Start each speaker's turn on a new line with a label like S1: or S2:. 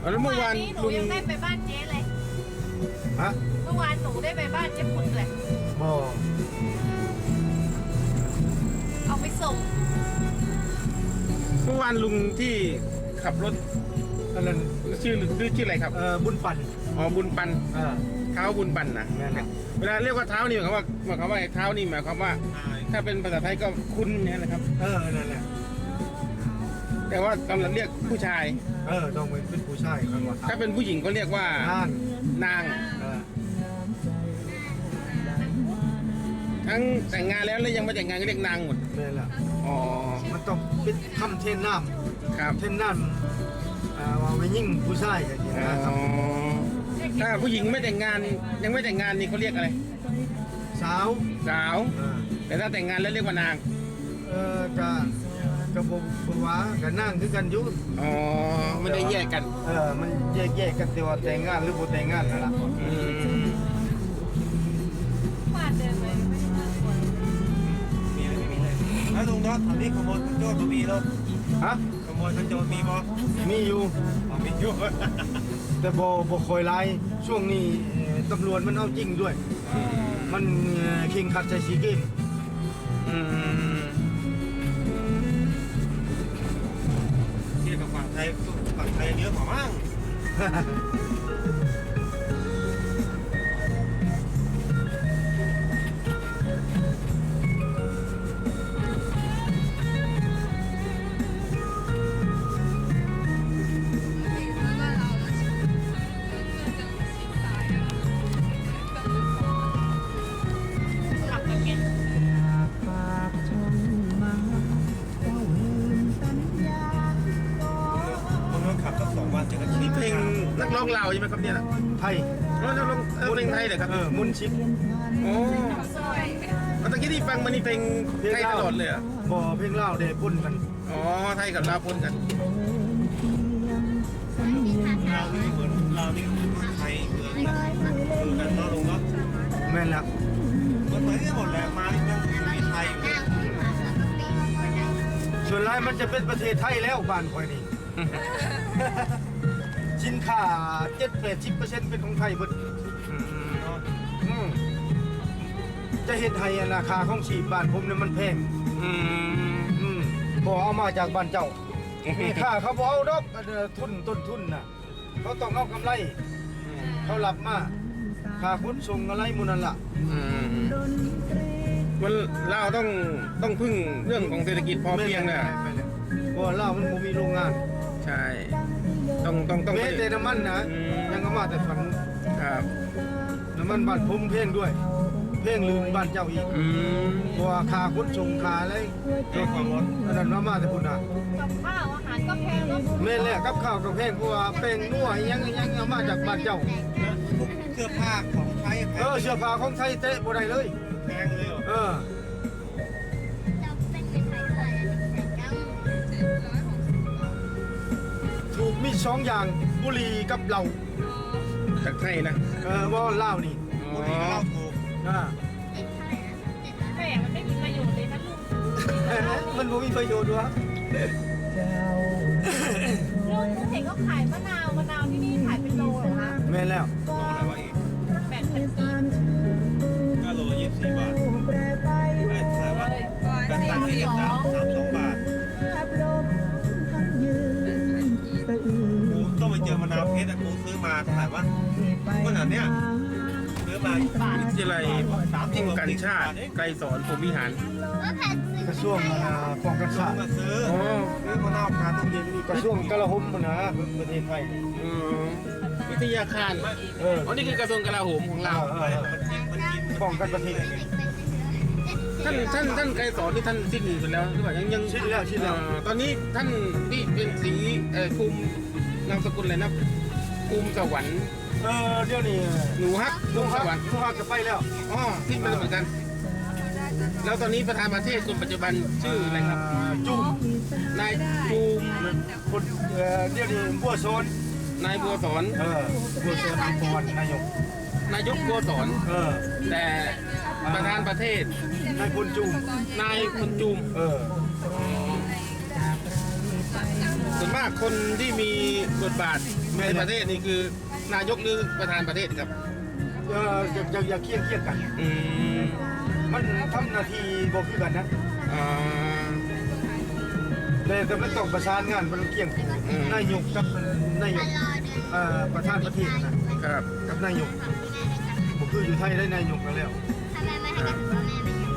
S1: แล้วเมื่อวาน
S2: หนูยังได้ไปบ้านเจ๊เลย
S3: ฮะ
S2: เมื่อวานหนูได้ไปบ้านเจ๊ปุ้นเลย
S3: บ่
S2: เอาไปส่ง
S1: เมื่อวานลุงที่ขับรถ
S3: อันนั้น
S1: ชื่ออะไรครับ
S3: บุญปัน
S1: อ๋อบุญปัน
S3: อ่า
S1: เท้าบุญปันนะ
S3: แม่นครับ
S1: เวลาเรียกว่าเท้านี่หมายความว่าเท้านี่หมายความว่า ถ้าเป็นภาษาไทยก็คุณเนี่ยนะครับ
S3: นั่นแหละ
S1: แต่ว่าสำหรับเรียกผู้ชาย
S3: ต้องเป็นผู้ชายครับว่า
S1: ถ้าเป็นผู้หญิงก็เรียกว่า
S3: ห้าง
S1: นาง
S3: เออ
S1: ทั้งแต่งงานแล้วและยังไม่แต่งงานก็เรียกนางหมด
S3: แม่นละ
S1: อ๋อ
S3: มันต้องเป็นคำเทนน้
S1: ครับ
S3: ำเทนน้ำว่าไม่ยิ่งผู้ชายกันอย่าง
S1: อ๋
S3: นี้นะครับ
S1: อถ้าผู้หญิงไม่แต่งงานยังไม่แต่งงานนี่เขาเรียกอะไร
S3: สาว
S1: สาว
S3: เออ
S1: แต่ถ้าแต่งงานแล้วเรียกว่านาง
S3: กะบ่ว่ากันนั่งคือกันอยู่
S1: อ๋อไม่ได้แยกกัน
S3: มันแยกกันแต่ว่าแต่งงานหรือบ่แต่งงานนั่นล่ะ
S1: อืม
S2: บ้านเดินไปไม่ได้น่ากลัว
S4: มีอะไรไม่มีเลยแล้วลุงเนาะตอนนี้ขโมยขันโจรมีแล้ว
S3: ฮะ
S4: ขโมยขันโจรมีบ่
S3: มีอยู่
S4: มีอยู่
S3: แต่บ่ค่อยหลายช่วงนี้ตำรวจมันเอาจริงด้วย มันเข่งขัดใจสีเกม
S1: อืม
S4: เทียบกับฝั่งไทยเยอะกว่ามั้ง
S2: ขับมาเก็ต
S4: คนนู้นขับสัก2 วันเจอกัน
S1: นี่เพลงนักร้องลาวใช่ไหมครับเนี่ย
S3: ไทย
S1: แล้วนักร้องเพลงไทยเหรอครับ
S3: มุนชิป
S1: โอ้
S2: ซอย
S1: ตะกี้ที่ฟังมันนี่เพลงไทยตลอดเลยเหรอ
S3: บ่เพลงลาวได้ปนกัน
S1: อ๋อไทยกับลาวปนกัน
S4: เรานี่เหมือนเรานี่ไทยเหมือนกันเนาะลุงเนาะ
S3: แม่นละ
S4: มันเหมือนกันหมดแหละมานี่ยังมีไทยอยู่
S3: ส่วนหลายมันจะเป็นประเทศไทยแล้วบ้านข่อยนี่ สินค้า 7-80% เป็นของไทยเบิด
S4: เนาะ
S3: อืมจะเฮ็ดให้ราคาของชีพบ้านผมเนี่ยมันแพง บ่เอามาจากบ้านเจ้าค่าเขาบ่เอาดอกต้นทุนน่ะเขาต้องเอากำไร เขารับมาค่าขนส่งอะไรหมู่นั่นล่ะ
S1: มันลาวต้องพึ่งเรื่องของเศรษฐกิจพอเพียงนะ
S3: ไม่เลยเพราะว่าลาวมันบ่มีโรงงาน
S1: ใช่ต้อง
S3: แม้แต่น้ำมันนะ
S1: อืม
S3: ยังเอามาแต่ฝั่งนู้น
S1: ครับ
S3: น้ำมันบ้านผมแพงด้วยแพงลืมบ้านเจ้าอีก
S1: อืม
S3: เพราะว่าค่าขนส่งค่าอะไร
S4: เรื่องความร้อน
S3: อันนั้นเอามาแต่พุ่นน่ะ
S2: กับข้าวอาหารก็แพงเนาะ
S3: แม่นแหละกับข้าวกับแพงเพราะว่าแป้งนัวอิหยังเอามาจากบ้านเจ้า
S4: เสื้อผ้าของไทยแพง
S3: เสื้อผ้าของไทยเตะบ่ได้เลย
S4: แพงเลยเหรอ
S3: ถูกมี2อย่างบุหรี่กับเหล้า
S1: จากไทยนะ
S3: ว่าเหล้านี่
S4: บุหรี่ก็เหล้าถูก
S3: อ่า
S2: แม่มันไม่มีประโยชน์เลยนะลุง
S3: มันบ่มีประโยชน์วะ
S2: ลุงเห็นเขาขายมะนาวที่นี่ขายเป็นโลเหรอคะ
S3: แม่นแล้ว
S4: โลอะไรวะอีก
S2: 8,000 กีบ
S4: ก็โลละ24 บาทไม่ใช่ว่าเป็นตันที่32 บาทกูต้องไปเจอมะนาวเพชรแต่กูซื้อมาเท่าไหร่วะก็ขนาดเนี้ยซื้อมา
S1: วิทยาลัยป้องกันชาติไกลสอนพรหมวิหาร
S3: กระทรวงป้องกันชาติ
S4: มาซื้อ
S1: อ๋อ
S4: ซื้อมะนาวคาตู้เย็นนี่
S3: กระทรวงกลาโหมนะประเทศไทย
S1: อืมวิทยาคาร
S3: เออ
S1: อ๋อนี่คือกระทรวงกลาโหมของเรา
S3: ป้องกันประเทศ
S1: ท่านไกรสอนที่ท่านสิ้นไปแล้วหรือเปล่ายัง
S3: สิ้นแล้วสิ้นแล้ว
S1: ตอนนี้ท่านที่เป็นสีภูมินามสกุลอะไรนะภูมิสวรรค์
S3: เดี๋ยวนี้
S1: หนูฮักภูมิสวรรค์
S3: ลูกฮักจะไปแล้ว
S1: อ๋อสิ้นไปแล้วเหมือนกัน แล้วตอนนี้ประธานประเทศคนปัจจุบันชื่ออะไรครับ
S3: จุ่ม
S1: นายภูมิ
S3: คนเดี๋ยวนี้บัวโซน
S1: นายบัวสอน
S3: บัวโซนอัมพรนายก
S1: นายกบัวสอน แต่ประธานประเทศ
S3: นายพลจุ่ม
S1: นายคนจูม
S3: เออ
S1: ส่วนมากคนที่มีบทบาทในประเทศนี่คือนายกหรือประธานประเทศครับ
S3: อย่าเคียงกัน
S1: อืม
S3: มันทำหน้าที่บ่คือกันนะ
S1: อ่า
S3: แต่มันต้องประสานงานมันเคียงกันนายกกับนายกประธานประเทศนะครับ กับนายกบ่คืออยู่ไทยได้นายกกันแล้ว
S2: ทำไมไม่ให้กระสุนแม่ไม่อยู่